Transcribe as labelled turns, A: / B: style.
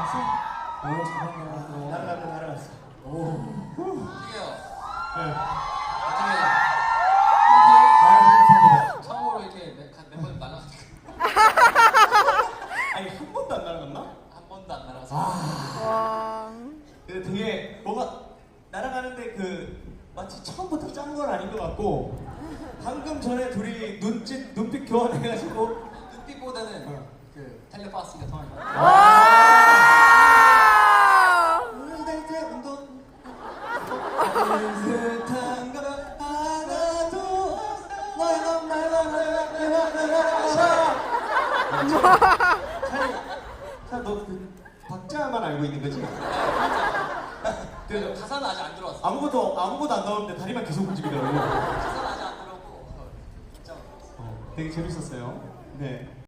A: 날아갔어? 오, 잘 날아갔어.
B: 날아갔어.
A: 오.
C: 어떻게요?
B: 네.
C: 어떻게?
A: 아,
C: 처음으로 이렇게 몇 번 날아갔어?
B: 아니 한 번도 안 날아갔나?
C: 한 번도 안 날아갔어.
D: 와.
B: 근데 되게 뭐가 날아가는데 마치 처음부터 짠 건 아닌 것 같고 방금 전에 둘이 눈빛 교환해가지고
C: 눈빛보다는 그 텔레파시가 통하니까.
D: 와.
B: 운동 비슷한 거 하나도 너그 박자만 알고 있는 거지?
C: 그 가사는 아직 안 들어왔어.
B: 아무것도 안 나오는데 다리만 계속 움직이더라고.
C: 가사는 아직 안 들어오고. 진짜.
B: 되게 재밌었어요. 네.